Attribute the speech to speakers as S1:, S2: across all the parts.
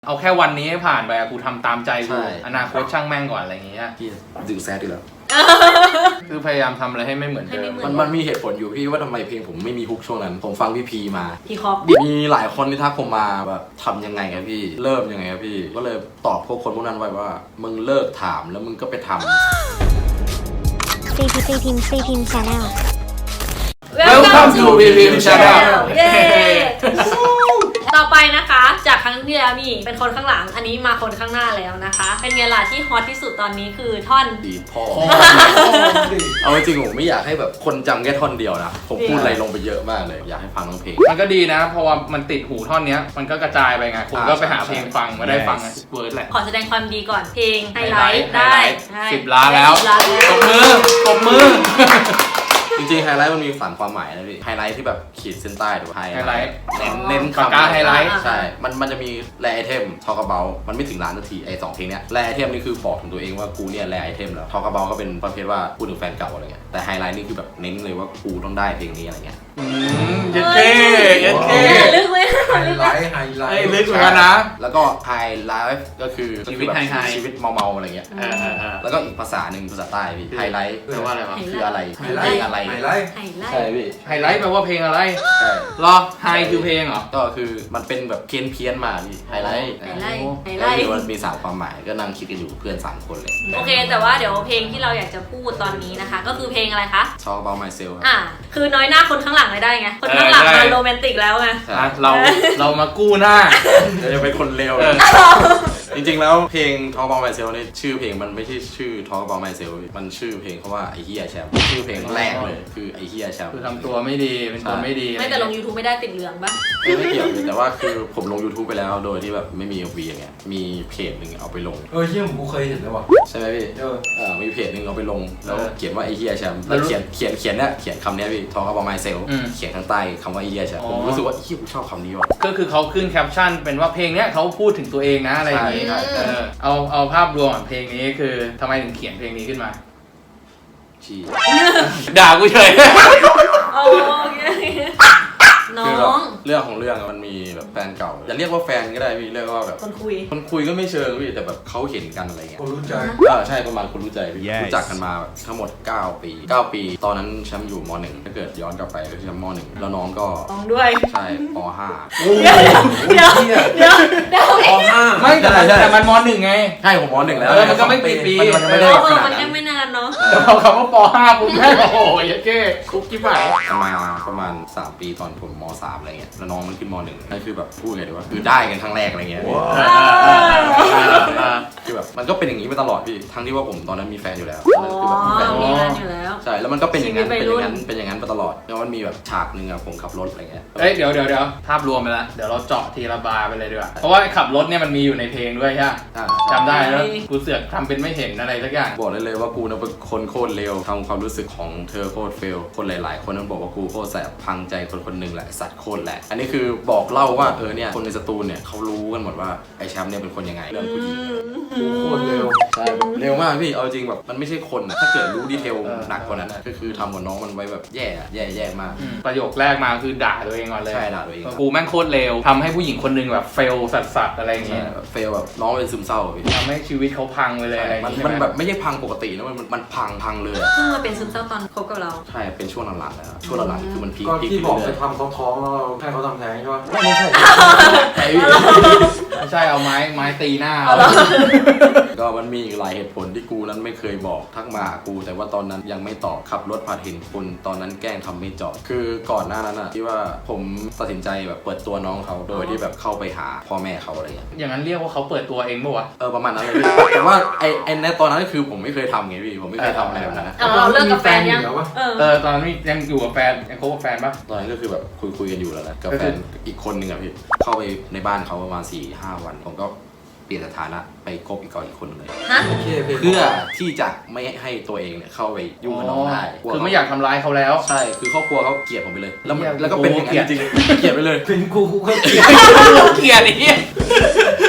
S1: เอาแค่วันนี้ให้ผ่านไปกูทำตามใจกูอนาคตช่างแม่งก่อนอะไรอย่างเงี้ย
S2: พี่ดึงแซดดีแล้ว
S1: คือพยายามทำอะไรให้ไม่เหมือนเดิม
S2: มันมีเหตุผลอยู่พี่ว่าทำไมเพลงผมไม่มีฮุกช่วงนั้นผมฟังพี่พีมา
S3: พี่คอป
S2: มีหลายคนที่ทักผมมาแบบทำยังไงครับพี่เริ่มยังไงครับพี่ก็เลยตอบพวกคนพวกนั้นไว้ว่ามึงเลิกถามแล้วมึงก็ไปทำ
S4: ซีพิมพ์ Channel
S1: Welcome to CPM Channel
S3: เย้ต่อไปนะคะจากครั้งที่แล้วนี่เป็นคนข้างหลังอันนี้มาคนข้างหน้าแล้วนะคะเป็นไงล่ะที่ฮอตที่สุดตอนนี้คือท่อน
S2: ดีพ่อเอาจริงผมไม่อยากให้แบบคนจำแค่ท่อนเดียวนะผมพูดอะไรลงไปเยอะมากเลยอยากให้ฟังทั้งเพลง
S1: มันก็ดีนะเพราะว่ามันติดหูท่อนนี้มันก็กระจายไปไงคุณก็ไปหาเพลงฟังมาได้ฟังเวิร์ดแหละ
S3: ขอแสดงความดีก่อนเพลงไฮไลท์ได้
S1: 10 ล้านแล้วตบมือ
S2: จริงๆไฮไลท์มันมีฝันความหมายนะพี่ไฮไลท์ที่แบบขีดเส้นใต้หรือไฮไลท์เน้น
S1: คำไฮไลท์
S2: ใช่มันจะมีแรไอเทมทอกระเบามันไม่ถึงล้านนาทีไอ้2เพลงเนี้ยแรไอเทมนี่คือบอกถึงตัวเองว่ากูเนี่ยแรไอเทมแล้วทอกระเบาก็เป็นประเภทว่าพูดถึงแฟนเก่าอะไรเงี้ยแต่ไฮไลท์นี่คือแบบเน้นเลยว่ากูต้องได้เพลงนี้อะไรเงี้ย
S1: เย็ดเท่
S3: ลึกไหม
S2: ไฮไลท์
S1: ลึกเหมือนกันนะ
S2: แล้วก็ไฮไลท์ก็คือชีวิตชีวิตเมาอะไรเงี้ยแล้วก็อีกภาษาหนึ่งภาษาใต้พี่ไฮไลท์แปลว่าอะไรวะคืออะไรเพลงอะไรใช่พี่
S1: ไฮไลท์แปลว่าเพลงอะไร
S2: ใช่
S1: รอไฮคือเพลงเหรอ
S2: ก็คือมันเป็นแบบเพี้ยนมาพี่ไฮไลท์มันมี3ความหมายก็นั่งคิดกันอยู่เพื่อน3คนเลย
S3: โอเคแต่ว่าเดี๋ยวเพลงที่เราอยากจะพูดตอนนี้นะคะก็คือเพลงอะไรคะ
S2: Talk About Myself
S3: คือน้อยหน้าคนข้างหลังเลยได้ไงคนข้างหลังมันโรแมนติกแล้วไง
S1: เรามากู้หน้า
S2: จะเป็นคนเลวจริงๆแล้วเพลง Talk About Myself นี่ชื่อเพลงมันไม่ใช่ชื่อ Talk About Myself มันชื่อเพลงเขาว่าไอ้เหี้ยแชมป์ชื่อเพลงแรกเลยคือไอ้เหี้ยแชมป์
S1: คือทำตัวไม่ดีเป็นคนไม่ดี
S3: ไม่แต่ลง YouTube ไม่ได้ติดเหลืองปะ
S2: ไม่เกี่ยวแต่ว่าคือผมลง YouTube ไปแล้วโดยที่แบบไม่มี MV อย่างเงี้ยมีเพจหนึ่งเอาไปลง
S5: เฮียผมเคยเห็นแล้วว่ะ
S2: ใช่ไหมพี่มีเพจหนึ่งเอาไปลงแล้วเขียนว่าไอ้เหี้ยแชมป์แล้วเขียนคำนี้พี่ Talk About Myself เขียนข้างใต้คำว่าไอ้เหี้ยแชมป์ผมรู้สึกว่าเหี้ยกูชอบคำนี้ว่ะ
S1: ก็คือเขาขึ้นแคปชั่นเป็นว่าเพลงเนี้ยเขาพูดถึงตัวเองนะอะไรอย่างงี้เอาภาพรวมของเพลงนี้คือทำไมถึงเขียนเพลงนี้ขึ้นมาด่ากูเฉย
S3: น้อง
S2: เรื่องของเรื่องมันมีแบบแฟนเก่าอย่าเรียกว่าแฟนก็ได้พี่เรียกว่าแบบคนคุยก็ไม่เชิงพี่แต่แบบเขาเห็นกันอะไรเงี้ย
S5: คนรู้ใจ
S2: ใช่ประมาณคนรู้ใจพี่รู้จักกันมาแบบทั้งหมด9 ปีตอนนั้นแชมป์อยู่ม.1ถ้าเกิดย้อนกลับไปก็คือแชมป์ม.1แล้วน้องก็
S3: ด้วย
S2: ใช่ป
S3: .5 เดี๋ยว
S2: ป.5
S1: ไม่แต่มันม.1ไง
S2: ใช่ผมม.1แล้ว
S1: มันก็ไม่กี่ปี
S2: มันไม่ได้
S3: มันยังไม่นานเนาะ
S1: แต่พอคำว่าป.5ปุ๊บแม่โอ้โหยัดเก้คุกกี้ฝ่าย
S2: ประมาณ3 ปีตอนผมม.3อะไรเงี้ยแล้วน้องมันขึ้นม.1นั่นคือแบบพูดไงดีว่าคือได้กันครั้งแรกอะไรเงี้ยคือแบบมันก็เป็นอย่างนี้มาตลอดพี่ทั้งที่ว่าผมตอนนั้นมีแฟนอยู่แล้ว
S3: คือแบบมีแฟนอยู่แล้ว
S2: ใช่แล้วมันก็เป็นอย่างนั้นมาตลอดแล้วมันมีแบบฉากนึงอะผมขับรถอะไรเงี้ย
S1: เดี๋ยวภาพรวมไปแล้วเดี๋ยวเราเจาะทีละบาร์ไปเลยดีกว่าเพราะว่าขับรถเนี่ยมันมีอยู่ในเพลงด้วยใช่ไหมจำได้แล้วกูเสือกทำเป็นไม่เห็นอะไรสักอย่าง
S2: บอกเลยว่ากูนะเป็นคนโคตรเลวทำความรู้สึกของเธอโคตรเฟลคนหลายๆคนนั้นบอกว่ากูโคตรแสบพังใจคนหนึ่งแหละสัตว์โคตรแหละอันนี้คือบอกเล่าว่าเนี่ยคนในสตูลเนี่ยเขารู้กันหมดว่าไอ้แชมป์เนี่ยเป็นคนยังไงเรื่องผู้หญิง
S5: โคตรเร็ว
S2: ใช่เร็วมากพี่เอาจริงแบบมันไม่ใช่คนนะถ้าเกิดรู้ดีเทลหนักกว่านั้นก็คือทำกับน้องมันไว้แบบแย่มาก
S1: ประโยคแรกมาคือด่าตัวเองก่อนเลย
S2: ใช่ด่าตัวเอง
S1: กูแม่งโคตรเร็วทำให้ผู้หญิงคนนึงแบบเฟลสัสอะไรอย่างเงี้ย
S2: เฟลแบบน้องเป็นซึมเศร้าพี่
S1: ทำให้ชีวิตเขาพังไปเลยอะไร
S2: มันแบบไม่ใช่พังปกตินะมันพังเลย
S3: เพิ่งมาเป็นซึมเศร้าตอนคบกับเรา
S2: ใช่เป็นช่วงหลังๆแล้วช่วงหลังๆคือมันพีค
S5: ที่บอกไปทำท้องแล้วให้เขาทำแท้งใช่ไหม
S2: ไม่ใช่
S1: ไม่ใช่เอาไม้ตีหน้า
S2: ก็มันมีหลายเหตุผลที่กูนั้นไม่เคยบอกทักมากูแต่ว่าตอนนั้นยังไม่ตอบขับรถผ่านเห็นคนตอนนั้นแกล้งทำไม่จอดคือก่อนหน้านั้นอะที่ว่าผมตัดสินใจแบบเปิดตัวน้องเขาโดยที่แบบเข้าไปหาพ่อแม่เขาอะไร
S1: อย่างนั้นเรียกว่าเขาเปิดตัวเองป่ะวะ
S2: ประมาณนั้นเลยแต่ว่าไอ้ในตอนนั้นคือผมไม่เคยทำไงพี่ผมไม่เคยทำอะไรแบบนั้น
S3: เราเลิกกับแฟนยัง
S1: ตอนนั้นยังอยู่กับแฟนยังคบกับแฟนปะ
S2: ตอนนั้นก็คือแบบคุยกันอยู่แล้วนะกับแฟนอีกคนนึงอะพี่เข้าไปในบ้านเขาประมาณ 4-5 วันผมก็เปลี่ยนสถานะไปคบอีกคนนึงเลยเพื่อที่จะไม่ให้ตัวเองเนี่ยเข้าไปยุ่งกับน้องได้
S1: คือไม่อยากทำร้ายเขาแล้ว
S2: ใช่คือครอบครัวเขาเกลียดผมไปเลยแล้วก็เป็นอย่างนั้นจริงๆเกลียดไปเลย
S5: เป็นกูก็เกลียด
S1: ไอ้เหี้ยมึง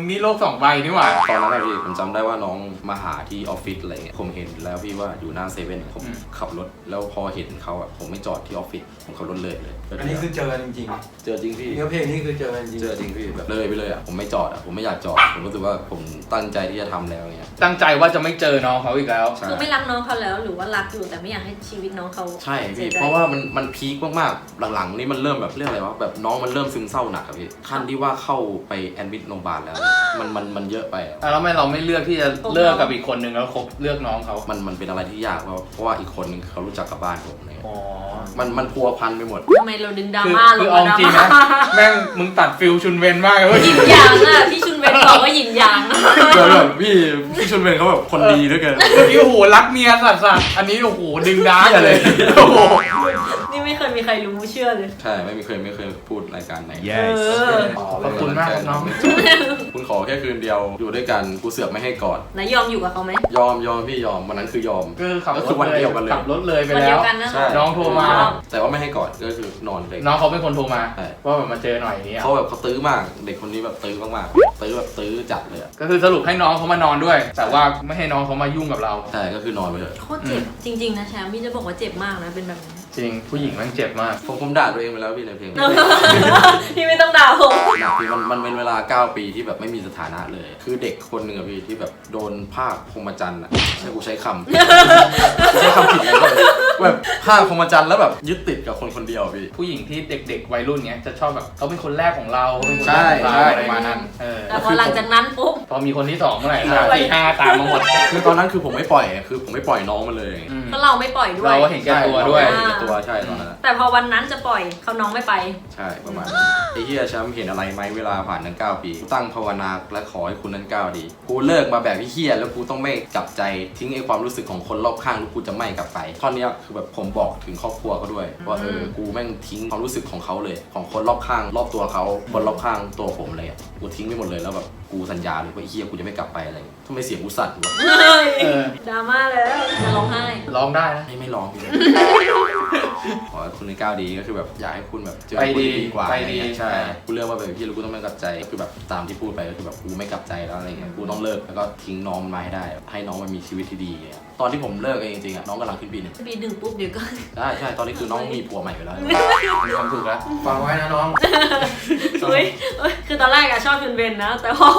S1: งนี่โลก2 ใบนี่หว่า
S2: ตอนนั้นอะพี่ผมจำได้ว่าน้องมาหาที่ออฟฟิศอะไรเงี้ยผมเห็นแล้วพี่ว่าอยู่หน้าเซเว่นผมขับรถแล้วพอเห็นเขาอะผมไม่จอดที่ออฟฟิศผมขับรถเลย
S5: อันนี้คือเจอกันจริง
S2: เจอจริงพี่
S5: ๆเนื้อเพลงนี่คือเจอกันจริง
S2: เจอจริงพี่แบบเลยไปเลยอะผมไม่จอดอะผมไม่อยากจอดผมรู้สึกว่าผมตั้งใจที่จะทำแล้วเงี้ย
S1: ตั้งใจว่าจะไม่เจอน้องเขาอีกแล้ว
S2: ใช่
S3: คือไม่รักน้องเขาแล้วหรือว่ารักอยู่แต่ไม่อยากให้ชีวิตน้องเขา
S2: ใช่
S3: สี
S2: พี่
S3: ยใจ
S2: เพราะว่ามันพีคมากๆหลังๆนี่มันเริ่มแบบเรื่องอะไรวะแบบน้องมันเริ่มซึมเศร้าหนักอะพี่ขั้นที่ว่าเข้าไปแอดมิดโรงพยาบาลแล้วมันเยอะไปอะ
S1: แล้วทำไมเราไม่เลือกที่จะเลิกกับอีกคนนึงแล้วคบเลือกน้องเขา
S2: มันเป็นอะไรที่ยากเพราะว่าอีกคนนึงเขารู้จักกับบ้านผมอะไรเงี้ย
S1: อ๋อ
S2: มันพัวพันไปหมด
S3: ทำไมเราดึงดรา
S1: คือ
S3: ม่าล
S1: คื
S3: ง
S1: อเอา
S3: มา
S1: จริงนะแม่งมึงตัดฟิลชุนเวนมากเลยเว้ย
S3: หยินหยางอ่ะพี่ชุนเวนบอกว่าหยินหยาง
S2: แบบพี่ชุนเวนเขาแบบคนดีด้วยกัน
S1: เมื่อกี้โอ้โหรักเมียสัสๆอันนี้โอ้โหดึงดาร์กเลยโอ้โห
S3: นี่ไม่เคยมีใครรู้เชื่อเลย
S2: ใช่ไม่เคยพูดรายการไหน
S3: เออ
S1: ขอบคุณมากครับน้อง
S2: คุณขอแค่คืนเดียวอยู่ด้วยกันกูเสือกไม่ให้กอด
S3: นายยอมอยู่กับเขาไหม
S2: ยอมพี่ยอมวันนั้นคือยอม
S1: คือขับร
S2: ก็
S1: ถ
S2: คือวันเดียวกันเลย
S1: ขับรถเลยไป
S3: วัน
S1: แล้
S3: เดียว วกันนะ
S2: ใช่
S1: น้องโทรมา
S2: แต่ว่าไม่ให้กอดก็คือนอนเลย
S1: น้องเขาเป็นคนโทรมา
S2: ใช่
S1: ว่าแบบมาเจอหน่อยอย่างเงี้ย
S2: เขาแบบเขาตื้อมากเด็กคนนี้แบบตื้อมากๆตื้อแบบตื้อจัดเลยอะ
S1: ก็คือสรุปให้น้องเขามานอนด้วย แต่ว่าไม่ให้น้องเขามายุ่งกับเรา
S2: ใช่ก็คือนอนไปเลย
S3: โคตรเจ็บจริงๆนะแชมป์พี่จะบอกว่าเจ็บมากนะเป็นแบบนี้
S1: จริงผู้หญิงแม่งเจ็บมาก
S2: ผมด่าตัวเองไปแล้วพี่ในเพลง
S3: พี่ไม่ต้องด่าผม
S2: หนักพี่มันเป็นเวลา9 ปีที่แบบไม่มีสถานะเลย คือเด็กคนหนึ่งอะพี่ที่แบบโดนภาคพรหมจรรย์อะใช่กูใช้คำ กูใช้คำผิดเลยแบบภาคพรหมจรรย์แล้วแบบยึดติดกับคนคนเดียวพี่
S1: ผู้หญิงที่เด็กๆวัยรุ่นเนี้ยจะชอบแบบเขาเป็นคนแรกของเราเขาเป็นคน
S2: ใช่
S1: แรกของเรา
S2: ใช่
S1: อะไรประมาณนั้น
S3: แต่พอหลังจากนั้นปุ๊บ
S1: พอมีคนที่2เมื่อไหร่4 5ตามมาหมด
S2: คือตอนนั้นคือผมไม่ปล่อยคือผมไม่ปล่อยน้องมันเลย
S1: อืม
S3: ก็เราไม่ปล่อยด้วย
S1: เราก็เห็นแก่ตัวด้วย
S2: ใช่เห็นแก่ตัวใช่ตอนนั้นอะ
S3: แต่พอวันนั้นจะปล่อยเขาน้องไม่ไป
S2: ใช่ประมาณนั้นไอ้เหี้ยแชมป์เห็นอะไรไหมเวลาผ่านทั้ง9 ปีกูตั้งภาวนาและขอให้คุณนั้นก้าวดีกูเลิกมาแบบพี่เหี้ยแล้วกูต้องไม่กลับใจทิ้งไอ้ความรู้สึกของคนรอบข้างแล้วกูจะไม่กลับไปท่อนเนี้ยคือแบบผมบอกถึงครอบครัวเขาด้วยว่ากูแม่งทิ้งความรู้สึกของเขาเลยของคนรอบข้างรอบตัวเขาคนรอบข้างตัวผมเลยอะกูทิ้งไปหมดเลยแล้วแบบกูสัญญาเลยว่าไอ้เหี้ยกูจะไม่กลับไปอะไรอย่างเงี้ยทำไมเสียงกูสั่นวะ
S3: เฮ้ย
S1: เออ
S3: ดราม่าแล้วจะร้องไห้
S1: ร้องได้นะ
S2: ไม่ร้องพี่เลยขอให้คุณในก้าวดีก็คือแบบอยากให้คุณแบบเจอ
S1: ไป
S2: คน
S1: ดี
S2: ที่ดีกว่า
S1: ไป
S2: อะไร
S1: ดี
S2: เงี้ยใช่กูเลือกว่าแบบพี่แล้วกูต้องไม่กลับใจก็คือแบบตามที่พูดไปก็คือแบบกูไม่กลับใจแล้วอะไรเงี้ยกูต้องเลิกแล้วก็ทิ้งน้องมันมาให้ได้ให้น้องมันมีชีวิตที่ดีเงี้ยตอนที่ผมเลิกเองจริงๆอะน้องกำลังขึ้นปี 1
S3: ปีหนึ่งปุ๊บเดี๋ยวก็
S2: ใช่ตอนนี้คือน้องมีผัวใหม่ไปแล้ว
S1: มีความสุขแล้ว
S5: ฟังไว้นะน้อง
S3: เฮ้ยคือตอนแรกอะชอบชุนเบนนะ แต่พอ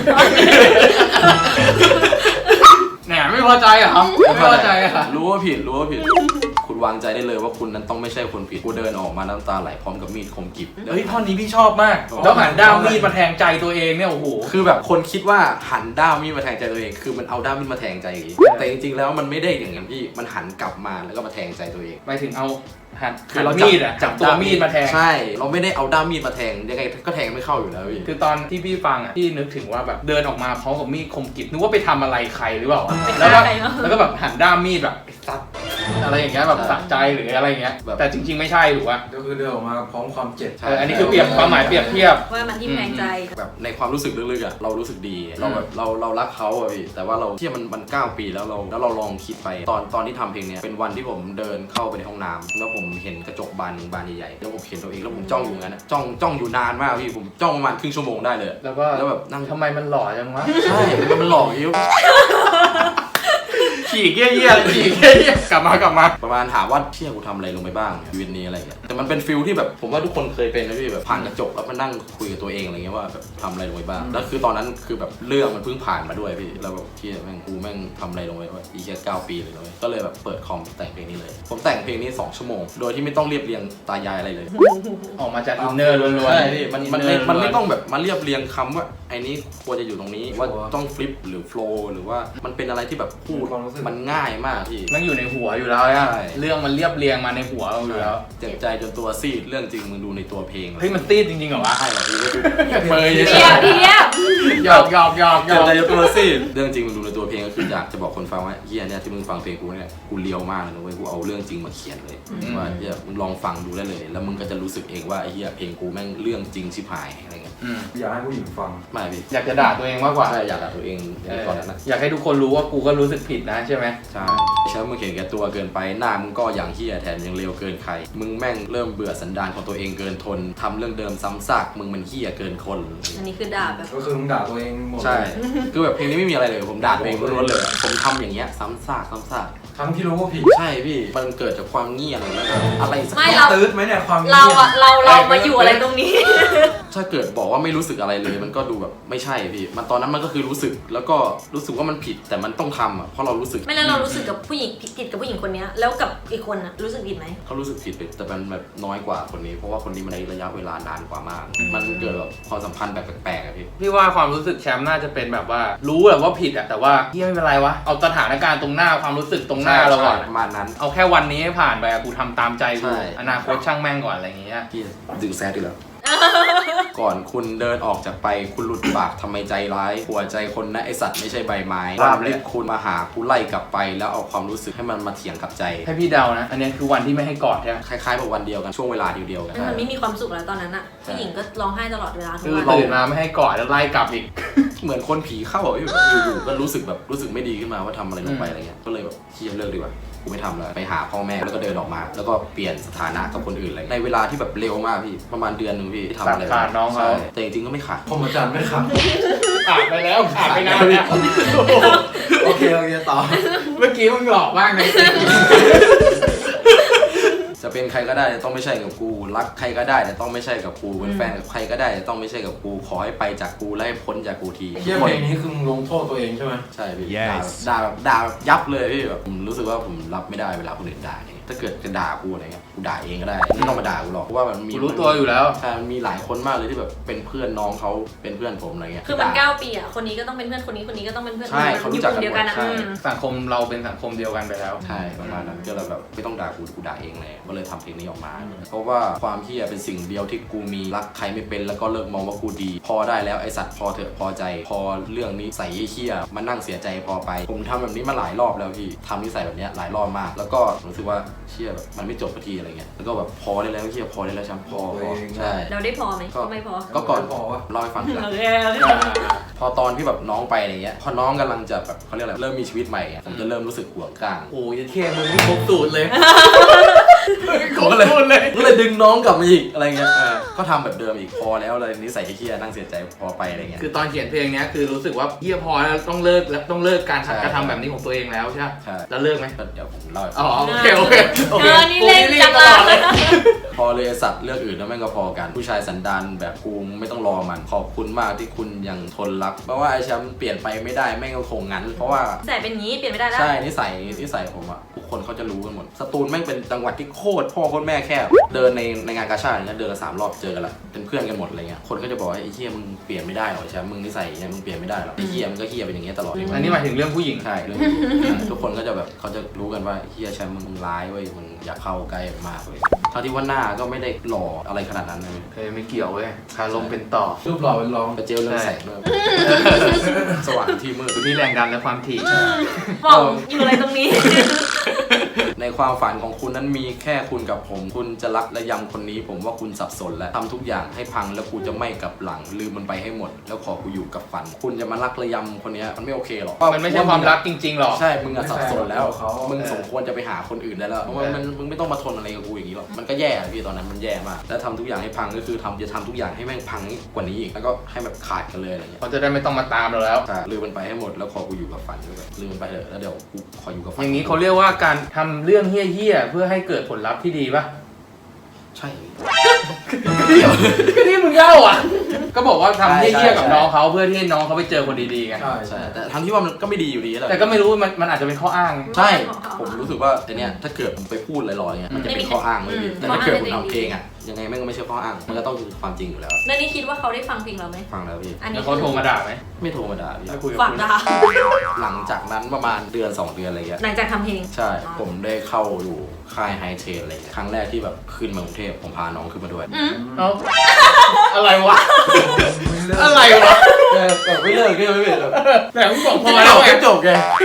S1: แหนไม่พอใจเหรอไม่พอใจเหรอ
S2: รู้ว่าผิดคุณวางใจได้เลยว่าคุณนั้นต้องไม่ใช่คนผิดกูเดินออกมาน้ำตาไหลพร้อมกับมีดคมกริบ
S1: เฮ้ยท่อนนี้พี่ชอบมาก แล้วหันด้ามมีดมาแทงใจตัวเองเนี่ยโอ้โห
S2: คือแบบคนคิดว่าหันด้ามมีดมาแทงใจตัวเอง คือมันเอาด้ามมีดมาแทงใจเองแต่จริงๆแล้วมันไม่ได้อย่างนั้นพี่มันหันกลับมาแล้วก็มาแทงใจตัวเอง
S1: ไปถึงเอาหัน
S2: คือเรา
S1: มีดอะจับตัวมีดมาแทง
S2: ใช่เราไม่ได้เอาด้ามมีดมาแทงยังไงก็แทงไม่เข้าอยู่แล้วพี่
S1: คือตอนที่พี่ฟังอ่ะพี่นึกถึงว่าแบบเดินออกมาพร้อมกับมีดคมกริบนึกว่าไปทำอะไรใครหรือเปล่า
S3: ไป
S1: แล้ว
S3: ฆ่า
S1: ก็
S3: ใครวะ
S1: แล้วก็แบบหันด้ามมีดแบบซัดอะไรอย่างเงี้ยแบบสะใจหรืออะไรอย่างเงี้ยแต่จริง ๆไม่ใช่ถูกป่ะ
S5: ก็คือเดินออกมาพร้อมความเจ็บ
S1: อันนี้คือเปรียบความหมายเปรียบเทียบ
S3: ว่ามันทิ่มแทงใจ
S2: แบบในความรู้สึกลึกๆอ่ะเรารู้สึกดีเราแบบเรารักเขาอ่ะพี่แต่ว่าเราที่มัน9 ปีแล้วเราลองคิดไปตอนที่ทำเพลงเนี้ยเป็นวันที่ผมเดินเข้าไปในห้องน้ำแล้วผมเห็นกระจกบานใหญ่ๆแล้วผมเห็นตัวเองแล้วผมจ้องอยู่งั้นอะจ้องอยู่นานมากพี่ผมจ้องประมาณครึ่งชั่วโมงได้เลย
S1: แล้วก็
S2: แล้วแบบนั่ง
S1: ทำไมมันหล่อจังวะ
S2: ใช่มันหลอกยิ้ว
S1: ขี่เกี้ยขี่เกี้ยกลับมา
S2: ประมาณถามว่าเชี่ยกูทำอะไรลงไปบ้างชีวิตนี้อะไรเงี้ยแต่มันเป็นฟิลที่แบบผมว่าทุกคนเคยเป็นนะพี่แบบผ่านกระจกแล้วมานั่งคุยกับตัวเองอะไรเงี้ยว่าแบบทำอะไรลงไปบ้างแล้วคือตอนนั้นคือแบบเรื่องมันเพิ่งผ่านมาด้วยพี่แล้วแบบเชี่ยแม่งกูแม่งทำอะไรลงไปว่าอีกแค่9 ปีเลยนะเว้ยก็เลยแบบเปิดคอมแต่งเพลงนี้เลยผมแต่งเพลงนี้2 ชั่วโมงโดยที่ไม่ต้องเรียบเรียงตายายอะไรเลย
S1: ออกมาจากอินเนอร์ล้วนๆ
S2: ใช่พี่มัน
S1: inner
S2: ไม่
S1: ล้วนๆ
S2: ต้องแบบมาเรียบเรียงคำว่าไอ้นี้ควรจะอยู่ตรงนี้ว่าต้องฟลิปหรือโฟล์หรือว่ามันเป็นอะไรที่แบบพูด
S5: ความรู้สึก
S2: มันง่ายมากพี่
S1: มันอยู่ในหัวอยู่แล้วอะ
S2: ใช่
S1: เรื่องมันเรียบเรียงมาในหัวเราอยู่แล้ว
S2: เจ็บใจจนตัวซีดเรื่องจริงมึงดูในตัวเพลง
S1: เฮ้ยมันตีดจริงๆเหรอวะ
S2: ใช่เหรอพี่ก็ดู
S1: เบย
S3: เทียบ
S1: หยอกหยอก
S2: เจ็บใจจนตัวซีดเรื่องจริงมึงดูในตัวเพลงก็คืออยากจะบอกคนฟังว่าเฮียเนี่ยที่มึงฟังเพลงกูเนี่ยกูเลียวมากเลยนะเว้ยกูเอาเรื่องจริงมาเขียนเลยว่าเฮียมึงลองฟังดูได้เลย แล้วมึงก็จะรู้สึกเองว่าไอ้เฮียเพลงกูแม่งเรื่องจริงชิบหายอะไรเงี้ย
S5: อยากให้ผู้หญิงฟัง
S2: ไม่พี่
S1: อยากจะด่าตัวเองมากกว่า
S2: ใช่อยากด่าตัวเองอย่างก่อนนั้นนะ
S1: อยากให้ทุกคนรู้ว่ากูก็รู้สึกผิดนะใช่ไหม
S2: ใช่ฉันมึงเห็นแก่ตัวเกินไปหน้ามึงก็อย่างเหี้ยแถมยังเลวเกินใครมึงแม่งเริ่มเบื่อสันดานของตัวเองเกินทนทำเรื่องเดิมซ้ำซากมึงมันเหี้ยเกินคน
S3: อันนี้คือด่าแบบ
S5: ก็คือมึงด่าตัวเองหมด
S2: ใช่คือแบบเพลงนี้ไม่มีอะไรเลยผมด่าตัวเองล้วนๆเลยผมทำอย่างเงี้ยซ้ำซากซ้ำซาก
S5: ทั้งที่รู้ว่าผิด
S2: ใช่พี่มันเกิดจากความเงียบแล้วก็อะไรสัก
S3: ไม่
S2: อย่าง
S5: ตื้ดไหมเนี่ยความ
S3: เรามาอยู่อะไรตรงนี้
S2: ถ้าเกิดบอกว่าไม่รู้สึกอะไรเลยมันก็ดูแบบไม่ใช่พี่มันตอนนั้นมันก็คือรู้สึกแล้วก็รู้สึกว่ามันผิดแต่มันต้องทำอ่ะเพราะเรารู้สึก
S3: ไม่แล้วเรารู้สึกกับผู้หญิงผิดกับผู้หญิงคนนี้แล้วกับอีกคนน่ะรู้สึกผิดไหม
S2: เขารู้สึกผิดไปแต่มันแบบน้อยกว่าคนนี้เพราะว่าคนนี้มันในระยะเวลานานกว่ามาก มันเกิดแบบความสัมพันธ์แบบแปลกๆอะพี่
S1: พี่ว่าความรู้สึกแชมป์น่าจะเป็นแบบว่ารู้แหละว่าผิดอะแต่ว่าพี่ไม่เป็นไรวะเอาสถานการณ์ตรงหน้าความรู้สึกตรงหน้าเราก่อน
S2: ประมาณนั้น
S1: เอาแค่วันนี้ให้ผ่านไปอะกูทำตามใจกู
S2: ใช่
S1: อนาคตช่างแม่งก่อนอะไรอย่างเงี้ย
S2: พี่ดึงแซดดีแล้ว ก่อนคุณเดินออกจากไปคุณหลุดปากทำไมใจร้ายหัวใจคนนะไอสัตว์ไม่ใช่ใบไม้วันที่คุณมาหากูไล่กลับไปแล้วเอาความรู้สึกให้มันมาเถียงกับใจ
S1: ให้พี่เดานะ อันนี้คือวันที่ไม่ให้กอดใช่ไหม
S2: คล้ายๆแบบวันเดียวกันช่วงเวลาเดียวๆกัน
S3: มันไม่มีความสุขแล้วตอนนั้นอะผู้หญิงก็ร้องไห้ตลอดเวลาทุก
S1: คือ
S3: วัน
S1: ตื่นมาไม่ให้กอดแล้วไล่กลับอีก
S2: เหมือนคนผีเข้าอ่ะพี่อยู่ๆก็รู้สึกแบบรู้สึกไม่ดีขึ้นมาว่าทำอะไรลงไปอะไรเงี้ยก็เลยแบบเฮียเลิกดีกว่ากูไม่ทำแล้วไปหาพ่อแม่แล้วก็เดินออกมา แล้วก็เปลี่ยนสถานะกับคนอื่นอะไรในเวลาที่แบบเร็วมากพี่ประมาณเดือนหนึ่งพี่ที่ทำอะไร
S1: ขาดน้องเขา
S2: ใช่แต่จริงๆก็ไม่ขาด
S5: ผมอาจารย์ไม่ขับ
S1: ขาดไปแล้วขาดไปนานแล้ว
S5: โอเคต่อ
S1: เมื่อกี้มึงหลอกมากเลย
S2: จะเป็นใครก็ได้แต่ต้องไม่ใช่กับกูรักใครก็ได้แต่ต้องไม่ใช่กับกูเป็นแฟนกับใครก็ได้แต่ต้องไม่ใช่กับกูขอให้ไปจากกูและให้พ้นจากกูที
S5: เที่ยเพลงนี้คือมึงลงโทษตัวเองใช่ไหม
S2: ใช่พี่ด่าแบบยับเลยพี่แบบผมรู้สึกว่าผมรับไม่ได้เวลาคนอื่นด่าเนี่ยถ้าเกิดจะด่ากูอะไรเงี้ยกูด่าเองก็ได้ไม่ต้องมาด่ากูหรอกเพราะว่ามันมี
S1: กูรู้ตัวอยู่แล้ว
S2: ใช่มันมีหลายคนมากเลยที่แบบเป็นเพื่อนน้องเขาเป็นเพื่อนผมอะไรเงี้ย
S3: คือมัน
S2: ด่า
S3: 9 ปีอะคนนี้ก็ต้องเป็นเพื่อนคนนี้ก็ต้องเป็นเพื่อน
S2: ใช่เขารู้จักกัน
S3: อยู่กลุ่มเดียวกันอะ
S2: หมดใช่
S1: สังคมเราเป็นสังคมเดียวกันไปแล้ว
S2: ใช่ประมาณนั้นก็เลยแบบไม่ต้องด่ากูด่าเองเลยก็เลยทำเพลงนี้ออกมา เพราะว่าความเหี้ยเป็นสิ่งเดียวที่กูมีรักใครไม่เป็นแล้วก็เลิกมองว่ากูดี พอได้แล้วไอสัตว์พอเถอะพอใจ พอเรื่องนี้ใส่เหี้ยมานั่งเสียใจพอไป ผมทำแบบนี้มาหลายรอบแล้วพี่ทำนิสัยแบบนี้หลายรอบมาก แล้วก็รู้สึกว่าเชี่ยแบบมันไม่จบสักทีอะไรเงี้ยแล้วก็แบบพอได้แล้วเหี้ยพอได้แล้วช้ำพอใช่
S3: เราได้พอไหมก็ไม่พอ
S2: ก็ก่อน
S5: พอวะ
S2: เล่าให้ฟังทีหลัง
S3: โอเค
S2: พอตอนที่แบบน้องไปอะไรเงี้ยพอน้องกำลังจะแบบเขาเรียกอะไรเริ่มมีชีวิตใหม่อะผมจะเริ่มรู้สึกห่วงกลาง
S1: โอ้ยเท่มึงนี่ครบสูตรเลยคร
S2: ผม
S1: บ
S2: ก็เลย
S1: สูตรเลย
S2: ก็เลยดึงน้องกลับมาอีกอะไรเงี้ยก็ทำแบบเดิมอีกพอแล้วเลยนิสัยเหี้ยนั่งเสียใจพอไปอะไรเงี้ย
S1: คือตอนเขียนเพลงเนี้ยคือรู้สึกว่าเฮียพอแล้วต้องเลิกแล้วต้องเลิกการ
S2: ใช่
S1: กระทำแบบนี้ของตัวเองแล้วใช่ไหม
S2: ใช่
S1: แล้วเลิกไหม
S2: ก็เดี๋ยวผมเล่าให้ฟัง
S1: อ๋อโอเคโอเคโอเค
S3: นี่เล่นจัง
S1: ตลอด
S3: เล
S1: เลย ย
S2: พอเลยไอ้สัตว์เรื่องอื่นแล้วแม่งก็พอกันผู้ชายสันดานแบบกูไม่ต้องรอมันขอบคุณมากที่คุณยังทนรักเพราะว่าไอ้แชมป์เปลี่ยนไปไม่ได้แม่งก็คงงั้น เพราะว่า
S3: แต่เป็นงี้เปลี่ยนไม่ได้แล้ว
S2: ใช่นิสัยผมอะทุกคนเขาจะรู้กันหมดสตูลแม่งเป็นจังหวัดที่โคตรพ่อโคตรแม่แคบเดินในงานกาชาดอย่างเงี้ยเดินละ3 รอบเจอกันละเป็นเพื่อนกันหมดอะไรเงี้ยคนก็จะบอกว่าไอ้เหี้ยมึงเปลี่ยนไม่ได้หรอกไอ้แชมป์มึงนิสัยอย่างเงี้ยมึงเปลี่ยนไม่ได้หรอกไอ้เหี้ยมึงก็เหี้ยเป็นอย่างเงี้ยตลอด
S1: อันนี้หมายถึงเรื่องผู้หญิง
S2: ใช่เรื่องทุกคนก็จะแบบเขาจะรู้กันว่าเฮียแชมป์มึงร้ายเว้ยมึงอยากเข้าใกล้มากเลยเท่าที่ว่าหน้าก็ไม่ได้หล่ออะไรขนาดนั้นเลย
S1: เคยไม่เกี่ยวเว้ยคาลมเป็นต่อ
S5: รูปหล่อเป็นรอง
S2: กระเจลเรื่องแสงด้วยสว่างที่มืด
S1: คือที่แรงดันและความถี่
S3: บอกอยู่อะไรตรงนี้
S2: ในความฝันของคุณนั้นมีแค่คุณกับผมคุณจะรักและยำคนนี้ ผมว่าคุณสับสนแล้วทำทุกอย่างให้พังแล้วกูจะไม่กลับหลังลืมมันไปให้หมด แล้วขอกูอยู่กับฝัน คุณจะมารักและยำคนเนี้ยมันไม่โอเคหรอก
S1: มันไม่ใช่ความรักจริงๆหรอก
S2: ใช่มึงอะสับสนแล้วมึงสมควรจะไปหาคนอื่นได้แล้วเพราะว่ามึงไม่ต้องมาทนอะไรกับกูอย่างนี้หรอกมันก็แย่พี่ตอนนั้นมันแย่มากแล้วทำทุกอย่างให้พังก็คือจะทำทุกอย่างให้แม่งพังกว่านี้อีกแล้วก็ให้แบบขาดกันเลยอะไรเงี้ย
S1: เขาจะได้ไม่ต้องมาตามเราแล้ว
S2: ใช่ลืมมันไปให้หมดแล้วขอกูอยู่กับฝันด้วยลืมมันไปเถอะแล้วเดี๋ยวกูขออยู่กับฝัน
S1: อย่างนี้เขาเรียกว่าการทำเรื่องเฮี้ยๆเพื่อให้เกิดผลลัพธ์ที่ดีป่ะ
S2: ใช่
S1: ก็ที่มึงเล่าอ่ะ ก็บอกว่าทำเฮี้ยๆกับน้องเขาเพื่อที่ให้น้องเขาไปเจอคนดีๆไง
S5: ใช่
S2: ใช่แต่ทั้งที่ว่ามันก็ไม่ดีอยู่ดีแหละ
S1: แต่ก็ไม่รู้มันอาจจะเป็นข้ออ้าง
S2: ใช่ผมรู้สึกว่าไอเนี้ยถ้าเกิดผมไปพูดลอยๆเงี้ยมันจะเป็นข้ออ้างเลยพี่แต่ถ้าเกิดผมทำเพลงอ่ะยังไงแม่งก็ไม่ใช่ข้ออ้างมันก็ต้องคือความจริงอยู่แล้ว
S3: แล้วนี่คิดว่าเขาได้ฟังเพลงเราไหม
S2: ฟังแล้วพี่
S3: อันนี้
S1: แล้วเขาโทรมาด่าไหม
S2: ไม่โทรมาด่าพี่
S1: ไม่คุยกับ
S3: ฝาก
S1: คุณ
S3: ด่า
S2: หลังจากนั้นประมาณเดือน2 เดือนอะไรเงี้ย
S3: หลังจากทำเพลง
S2: ใช่ ผมได้เข้าอยู่ค่ายไฮเทรนอะไรเงี้ยครั้งแรกที่แบบขึ้นมากรุงเทพผมพาน้องขึ้นมาด้วย
S1: เอ้าอะไรวะ อะไรวะ
S2: แบบไม่เลิกก็ไม่เป็นแบบ
S1: แต่มึงบอกพ
S2: พ
S1: อ
S2: อ
S1: แล้
S2: แล้ว ว
S1: ไง
S2: ก็จบไง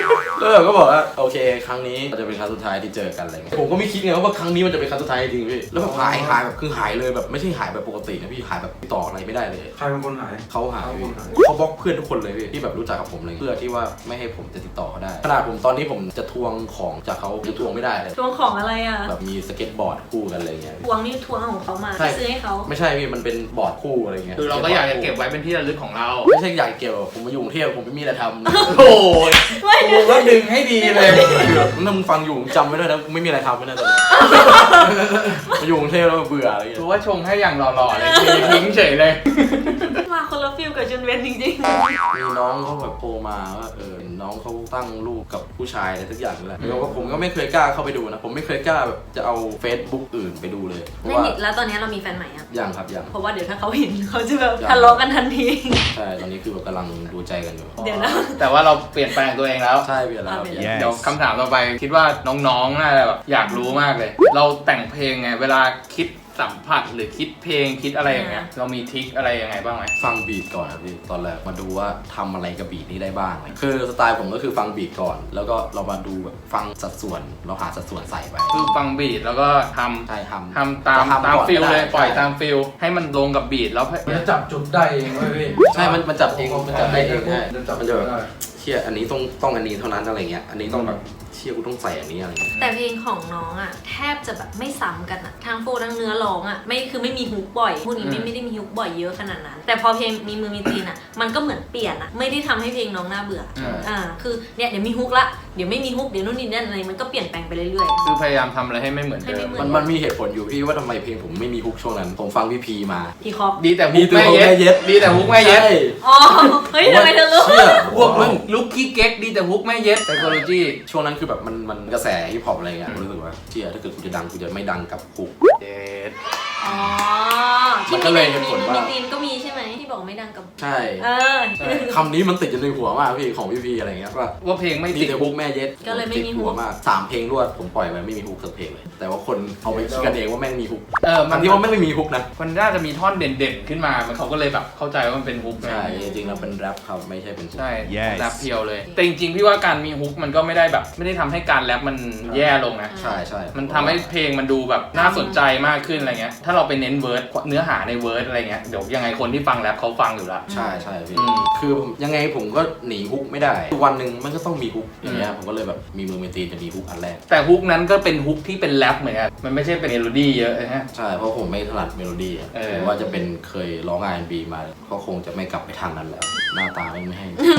S2: ก็บอกว่าโอเคครั้งนี้จะเป็นครั้งสุดท้ายที่เจอกันอะไรเงี้ยผมก็ไม่คิดไงว่าครั้งนี้มันจะเป็นครั้งสุดท้ายจริงพี่แล้วแบบหายแบบคือหายเลยแบบไม่ใช่หายแบบปกตินะพี่หายแบบติดต่ออะไรไม่ได้เลย
S5: ใครเป็นคนหาย
S2: เขาหาย
S5: เขาหาย
S2: เขาบล็อกเพื่อนทุกคนเลยพี่ที่แบบรู้จักกับผมเลยเพื่อที่ว่าไม่ให้ผมจะติดต่อเขาได้ขนาดผมตอนนี้ผมจะทวงของจากเขาจะทวงไม่ได้เลย
S3: ทวงของอะไรอ่ะ
S2: แบบมีสเก็ตบอร์ดคู่กันอะไรเงี้ย
S3: ทวงนี่ทวงของเขามา
S2: ใช่
S3: ซื้อให้เขา
S2: ไม่ใช่พี่มันเป็นบอร์ดคู่อะไรเงี้ย
S1: คือเราก็อยากจะเก็บไว้เป็นที่ระลึกของเรา
S2: ไม่ใช่อยากเก็บผมมาอยู่กรุงเทพผมไม่มีอะไรทำ
S1: โอ้ย
S3: ไม่
S1: กูก็ดึงให้ดีเลย
S2: ถ้ามึงฟังอยู่จำไว้ด้วยนะไม่มีอะไรทำไม่ได้ตอนนี้ มาอยู่กรุงเทพแล้วเบื่ออะไรเงี้ย
S1: กูว่าชงให้อย่างหล่อๆเลยทิ้งเฉยเลย
S3: มาคนละฟิลกับจุนเวนจริง
S2: มีน้องเขาแบบโทรมาว่าน้องเขาตั้งรูปกับผู้ชายอะไรทุกอย่างนั่นแหละแล้วก็ผมก็ไม่เคยกล้าเข้าไปดูนะผมไม่เคยกล้าแบบจะเอา Facebook อื่นไปดูเลยเพ
S3: ๆ
S2: ราะ
S3: ไม่
S2: ว่า
S3: มีแล้วตอนนี้เรามีแฟนใหม่อ่ะ
S2: ยังครับยัง
S3: เพราะว่าเดี๋ยวถ้าเขาเห็นเขาจะแบบทะเลาะกันทันที
S2: ใช่ตอนนี้คือแบบกำลังดูใจกันอยู่
S3: เดี๋ยวนะ
S1: แต่ว่าเราเปลี่ยนแปลงตัวเองแล้ว
S2: ใช่เปลี่ยนแล้วครับ
S3: เปลี่ยน
S2: เปลี่ยน
S1: เดี๋ยวคำถามต่อไปคิดว่าน้องๆน่าจะแบบอยากรู้มากเลย เราแต่งเพลงไงเวลาคิดสัมผัสหรือคิดเพลงคิดอะไรอย่างเงี้ยเรามีทริคอะไรยังไงบ้างไหม
S2: ฟังบีทก่อนครับพี่ตอนแรกมาดูว่าทำอะไรกับบีทนี้ได้บ้างคือสไตล์ผมก็คือฟังบีทก่อน แล้วก็เรามาดูแบบฟังสัดส่วนเราหาสัดส่วนใส่ไป
S1: คือฟังบีทแล้วก็ท
S2: ใช่ทำ
S1: ำตาม
S2: จะทำก่อน
S1: ฟิล
S2: ก็ได้
S1: เลยปล่อย
S2: ใช่
S1: ตามฟิลให้มันลงกับบีทแล้ว
S5: มันจะจับจุดได้เองเว้ยพี่
S2: ใช่มันจับเองมันจับได้เองใช่
S5: จะจับ
S2: มัน
S5: จุ
S2: จะ
S5: ด
S2: แบบ
S5: ได้
S2: เชี่ยอันนี้ต้องอันนี้เท่านั้นอะไรเงี้ยอันนี้ต้องแบบเชี่ยกูต้องใส่อันนี้อะไรเงี้ย
S3: แต่เพลงของน้องอ่ะแทบจะแบบไม่ซ้ำกันอ่ะทั้งโฟทั้งเนื้อร้องอ่ะไม่มีฮุกบ่อยพวกนี้ไม่ได้มีฮุกบ่อยเยอะขนาดนั้น แต่พอเพลงมีมือมีตีนอ่ะมันก็เหมือนเปลี่ยนอ่ะไม่ได้ทำให้เพลงน้องน่าเบื่อ
S2: ใช่
S3: คือเนี่ยเดี๋ยวมีฮุกละเดี๋ยวไม่มีฮุกเดี๋ยวนู่นนี่นั่นอะไรมันก็เปลี่ยนแปลงไปเรื่อย
S1: คือพยายามทำอะไรให้ไม่เหมือน
S3: ให้
S1: เดิ
S3: ไม่
S1: ม
S3: เหมือน
S2: มันมีเหตุผลอยู่พี่ว่าทำไมเพลงผมไม่มีฮุกช่วงนั้น ผมฟังพี่พีมา
S3: ๆพี่คอป
S1: ดีแต่ฮุ
S2: ดี
S1: ก
S2: แต่
S1: แม่
S2: ฮุกแม่เย็
S1: เย็
S2: ด
S1: ดดีแต่ฮุกแม่เย็ด
S2: ใช่
S3: อ๋อเฮ้ยทำไมเธอรู้
S2: เชี่ย
S1: พวกมึงลุกกี้เก๊กดีแต่ฮุกแม่เย็ดไซโคโลจี
S2: ช่วงนั้นคือแบบมันกระแสฮิปฮอปอะไรเงี้ยผมรู้สึกว่าเชี่ยถ้าเกิดกูจะดังกูจะไม่ดังกับฮุก
S1: เย็ด
S3: อ๋อ
S2: มั
S3: ที่
S2: นก็เลยเหตุ
S3: มี
S2: ผล
S3: มือ
S2: ว่า
S3: มีตีนก็มีใช่ไหมที่บอกไม่ดังกับ
S2: ใช่
S3: เออ
S2: คำนี้มันติดอยู่ในหัวมากพี่ของพี่พีอะไรเงี้ยว่า
S1: ว่าเพลงไม่
S2: มี
S1: ติด
S2: แต่ฮุกแม่เย็ด
S3: ก็เลยไม่มีฮุก
S2: ติดหัวมาก3เพลงรวดผมปล่อยไปไม่มีฮุกสักเพลงเลยแต่ว่าคนเอาไปคิดกันเองว่าแม่งมีฮุก
S1: มั
S2: ทั้
S1: น
S2: งที่ว่าไม่มีฮุกนะ
S1: มันน่าจะมีท่อนเด่นๆขึ้นมามันเขาก็เลยแบบเข้าใจว่ามันเป็นฮุกไง
S2: ใช่จริงๆแล้วเป็นแรปครับไม่ใช่เป็นฮุก
S1: ใช่
S4: Yes
S1: แรปเพียวเลย แต่จริงๆพี่ว่าการมีฮุกมันก็ไม่ได้แบบไม่ได้ทำให้การแรปมันแย่ลงนะ
S2: ใช่ใช่
S1: มันทำให้เพลงมันดูแบบน่าสนใจมากขึ้นอะไรเงี้ย ถ้าเราไปเน้นเวิร์ดเนื้อหาในเวิร์ดอะไรเงี้ย เดี๋ยวยังไงคนที่ฟังแรปเขาฟังอยู่แล้ว
S2: ใช่ใช่พี่
S1: อืม
S2: คือผมยังไงผมก็หนีฮุกไม่ได้วันหนึ่งมันก็ต้องมีฮุกอย่างเงี้ยผมก็เลยแบบมีมือมีตีนจะมีฮุกอันแรก
S1: แต่ฮุกนั้นก็เป็นฮุกที่เป็นแรปเหมือนกัน มันไม่ใช่เป็นเมโลดี้เยอะนะฮะ
S2: ใช่เพราะผมไม่ถนัดเมโลดี้อะ
S1: เออ
S2: ผมว่าจะเป็นเคยร้อง R&B มาก็คงจะไม่กลับไปทางนั้นแล้ว หน้าตาไม่ให้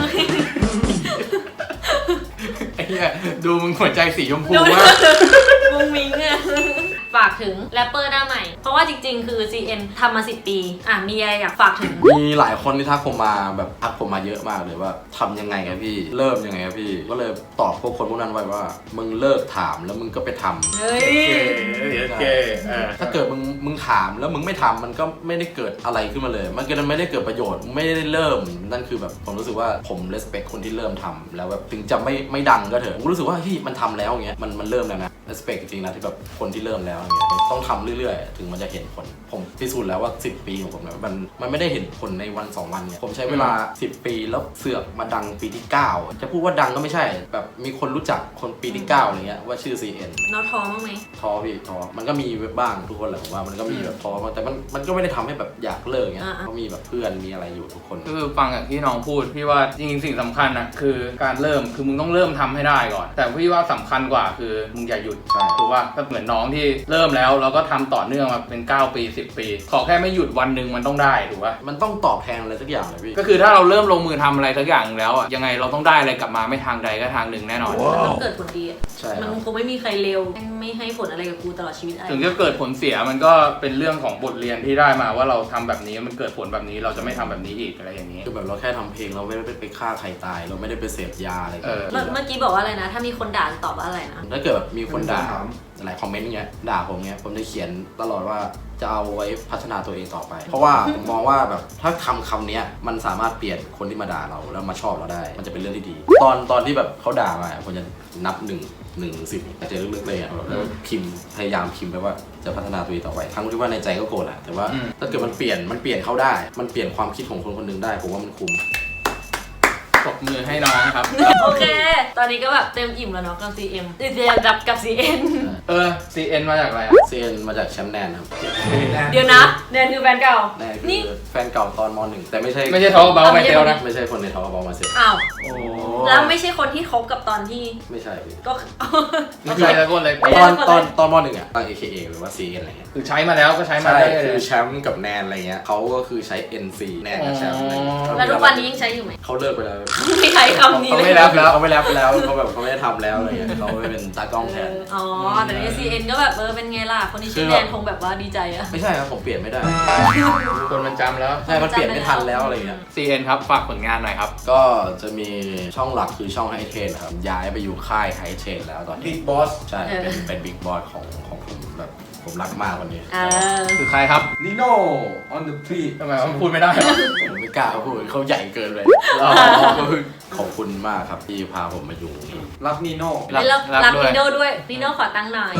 S1: ไอ้เหี้ยดูมึงหัวใจสีชมพู
S3: ดู
S1: มาก
S3: มุงมิงอะฝากถึงแรปเปอร์หน้าใหม่ เพราะว่าจริงๆ คือ CN ทำมา10 ปีมีอะไรอยากฝากถึง
S2: มีหลายคนที่ทักผมมาแบบทักผมมาเยอะมากเลยว่าทำยังไงครับพี่เริ่มยังไงครับพี่ก็เลยตอบพวกคนพวกนั้นไว้ว่ามึงเลิกถามแล้วมึงก็ไปทำ
S3: เฮ้ย
S1: โอเค
S2: ถ้าเกิดมึงถามแล้วมึงไม่ทำมันก็ไม่ได้เกิดอะไรขึ้นมาเลย มันก็ไม่ได้เกิดประโยชน์ไม่ได้เริ่มนั่นคือแบบผมรู้สึกว่าผม respect คนที่เริ่มทำแล้วแบบถึงจะไม่ดังก็เถอะผมรู้สึกว่าที่มันทำแล้วอย่างเงี้ยมันเริ่มแล้วนะ respect จริงๆนะที่แบบคนที่เริ่มแล้วอย่างเงี้ยต้องทำเรื่อยๆถึงมันจะเห็นผลผมพิสูจน์แล้วว่า10 ปีของผมเนี่ยมันไม่ได้เห็นผลในวัน2 วันเนี่ยผมใช้เวลา10 ปีแล้วเสือกมาดังปีที่9จะพูดว่าดังก็ไม่ใช่แบบมีคนรู้จักคนปีที่9อะไรเงี้ยว่าชื่อ CN
S3: น้องท้อบ้างไหม
S2: ท้อพี่ท้อมันก็มีบ้างทุกคนแหละผมว่ามันก็มีแบบท้อบ้างแต่มันก็ไม่ได้ทำให้แบบอยากเลิกเงี้ยก็มีแบบเพื่อนมีอะไรอยู่ทุกคน
S1: คือฟังอย่างที่น้องพูดพี่ว่าจริงๆสิ่งสำคัญนะคือการเริ่มคือมึงต้องเริ่มทำให้ได้ก่อน แต่พี่ว่าสำคัญกว่าคือมึงอย่าหยุด
S2: ใช่
S1: ถูกว่าก็เหมือนน้องที่เริ่มแล้วก็ทำต่อเนื่องมาเป็น9 ปี 10 ปี ขอแค่ไม่หยุดวันหนึ่งมันต้องได้ถูกป่ะ
S2: มันต้องตอบแทนอะไรสักอย่างเลยพี่
S1: ก็คือถ้าเราเริ่มลงมือทำอะไรสักอย่างแล้วอ่ะยังไงเราต้องได้อะไรกลับมาไม่ทางใดก็ทางหนึ่งแน่นอน
S3: มันต้องเกิดผลดีอะ
S2: ใช่ค
S3: มั
S2: รับ
S3: นคงไม่มีใครเร็วไม่ให้ผลอะไรกับกูตลอดชีวิตอะไร
S1: ถึงจะเกิดผลเสียมันก็เป็นเรื่องของบทเรียนที่ได้มาว่าเราทำแบบนี้มันเกิดผลแบบนี้เราจะไม่ทำแบบนี้อีกอะไรอย่างนี้
S2: คือแบบเราแค่ทำเพลงเราไม่ได้ไปฆ่าใครตาย เราไม่ได้ไปเสพยาอะไร
S1: เออ
S3: เมื่อกี้บอกว่าอะไรนะ ถ้ามีคนด่าตอบว่าอะไรนะ
S2: ถ้าเกิดแบบมีคนด่า
S5: ถาม
S2: หลายคอมเมนต์เงี้ยด่าผมเงี้ยผมจะเขียนตลอดว่าจะเอาไว้พัฒนาตัวเองต่อไป เพราะว่าผมมองว่าแบบถ้าคำเนี้ยมันสามารถเปลี่ยนคนที่มาด่าเราแล้วมาชอบเราได้ มันจะเป็นเรื่องที่ดี ตอนที่แบบเขาด่ามาผมจะนับ1 ถึง 10อาจจะลึกๆเลยอ่ะแล้วพิมพ์พยายามพิมพ์ไปว่าจะพัฒนาตัวเองต่อไปทั้งที่ว่าในใจก็โกรธแหละแต่ว่าถ้าเกิดมันเปลี่ยนเขาได้มันเปลี่ยนความคิดของคนคนหนึงได้ผมว่ามันคุ้ม
S1: ปรบมือให้น้องครับ
S3: โอเค ตอนนี้ก็แบบเต็มอิ่มแล้วเนาะกับ CM เรียนรับกับ CN
S1: CN มาจากอะไรอะ
S2: เซียนมาจากแชมป์แนนครับ
S3: เดี๋ยวนะแนนคือแฟนเก่า
S2: แนน
S3: นี่
S2: คือแฟนเก่าตอนม .1 แต่ไม่ใช่
S1: ไม่ใช่ทอเบาไม่เทลนะ
S2: ไม่ใช่คนในทอล์กมาเสร็จ
S3: อ้าว
S1: โอ้
S3: แล้วไม่ใช่คนที่คบกับตอนที่
S2: ไม่ใช่พี่
S3: ก็
S1: ไม่ใช่แล้วคนเลย
S3: ไม่
S2: ต
S3: ใช่
S2: อนม .1 อ่ะตั้ง AKA หรือว่า CN อะไรเงี้ย
S1: คือใช้มาแล้วก็ใช้มา
S2: ใช่
S1: ได้เล
S2: คือย แชมป์กับแนนอะไรเงี้ยเขาก็คือใช้ NC แนนกับแชมป์อะไรเงี้ย
S3: แล้วทุกวันนี้ยังใช้อยู่ไหม
S2: เขาเลิกไปแล้ว
S3: ไม่ใช้คำนี้
S2: เขา
S3: เลย
S2: ไม่รับแล้วเขาไม่รับแล้วเขาแบบเขาไม่ได้ทำแล้วอะไรเงี้ยเขาไปเป็นตากล้องแทน
S3: อ๋อ แต่ใน CN ก็แบบเป็นไงล่ะ คนที่ชื่อแนนคงแบบว่าดีใจอะ
S2: ไม่ใช่ครับผมเปลี่ยนไม่ได้
S1: คนมันจำแล้ว
S2: ใช่มันเปลี่ยนไม่ทันแล้วอะไรเงี้ย
S1: CN ครับฝากผลงานหน่อยครับ
S2: ก็จะมีช่องหลักคือช่องไฮเทนครับย้ายไปอยู่ค่ายไฮเทนแล้วตอนนี้
S5: บิ๊กบอส
S2: ใช่เป็นบิ๊กบอสของผมแบบผมรักมากวันนี้
S1: คือใครครับ
S5: นิโน่ on the beat
S1: ทำไมวะพูดไม่ได้เหรอ
S2: ผมไม่กล้าพูดเขาใหญ่เกินเลยก็คือขอบคุณมากครับที่พาผมมาอยู่ตรงนี้
S5: รักนิโน่
S3: รักนิโน่ด้วยนิโน่ขอตั้งหน่อย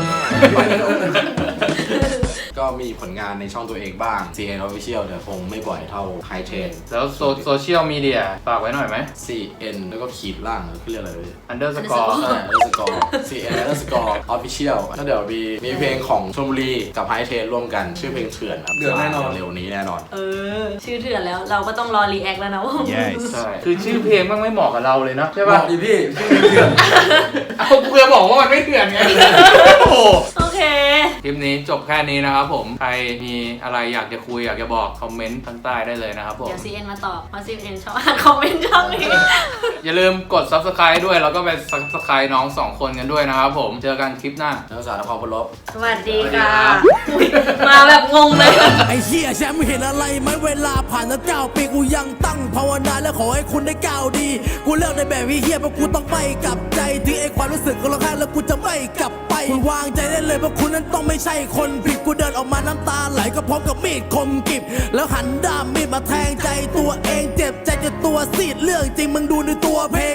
S2: ก็มีผลงานในช่องตัวเองบ้าง CN Official แต่คงไม่บ่อยเท่า High Chain
S1: แล้วโซเชียลมีเดียฝากไว้หน่อยไหม
S2: CN แล้วก็ขีดล่างคือเรียกอะไรเลย
S1: underscore
S2: underscore CN underscore official ก็เดี๋ยวมีเพลงของชลบุรีกับ High Chain ร่วมกัน ชื่อเพลงเถื่อนครับ
S5: เดือดแน่นอน
S2: เร็วนี้แน่นอน
S3: ชื่อเถื่อนแล้วเราก็ต้องรอรีแอคแล้วนะว่า
S1: ใช่ คือชื่อเพลงมันไม่เหมาะกับเราเลยนะใช่
S5: บอ
S1: ป่ะ
S5: กดิพี่ชื่อเถื่อน
S1: เอาเพื่อบอกว่ามันไม่เถื่อนไง โอ้โห
S3: โอเค
S1: คลิปนี้จบแค่นี้นะครับผม ใครมีอะไรอยากจะคุยอยากจะบอกคอมเมนต์ข้างใต้ได้เลยนะครับผม
S3: เดี๋ยว CN มาตอบเพราะ CN ชอบอ่านคอมเมนต์ช่องนี้
S1: อย่าลืมกด subscribe ด้วย แล้วก็ไป subscribe น้อง 2 คนกันด้วยนะครับผม เจอกันคลิปหน้า
S2: นักศึกษานครพนม
S3: สวัสดีค่ะ
S1: สวัสดีครับ
S3: มาแบบงงเลย
S4: ไอ้เหี้ยแชมป์เห็นอะไรไหมเวลาผ่านมา9 ปีกูยังตั้งภาวนาและขอให้คุณได้ก้าวดี กูเลือกในแบบวิเฮียเพราะกูต้องไม่กลับใจถึงไอ้ความรู้สึกก็ร้องไห้แล้วกูจะไม่กลับไปคุณวางใจได้เลยเพราะคุณนั้นต้องไม่ใช่คนผิดกูเดินออกมาน้ำตาไหลก็พร้อมกับมีดคมกริบแล้วหันด้ามมีดมาแทงใจตัวเองเจ็บใจจนตัวซีดเรื่องจริงมึงดูในตัวเพลง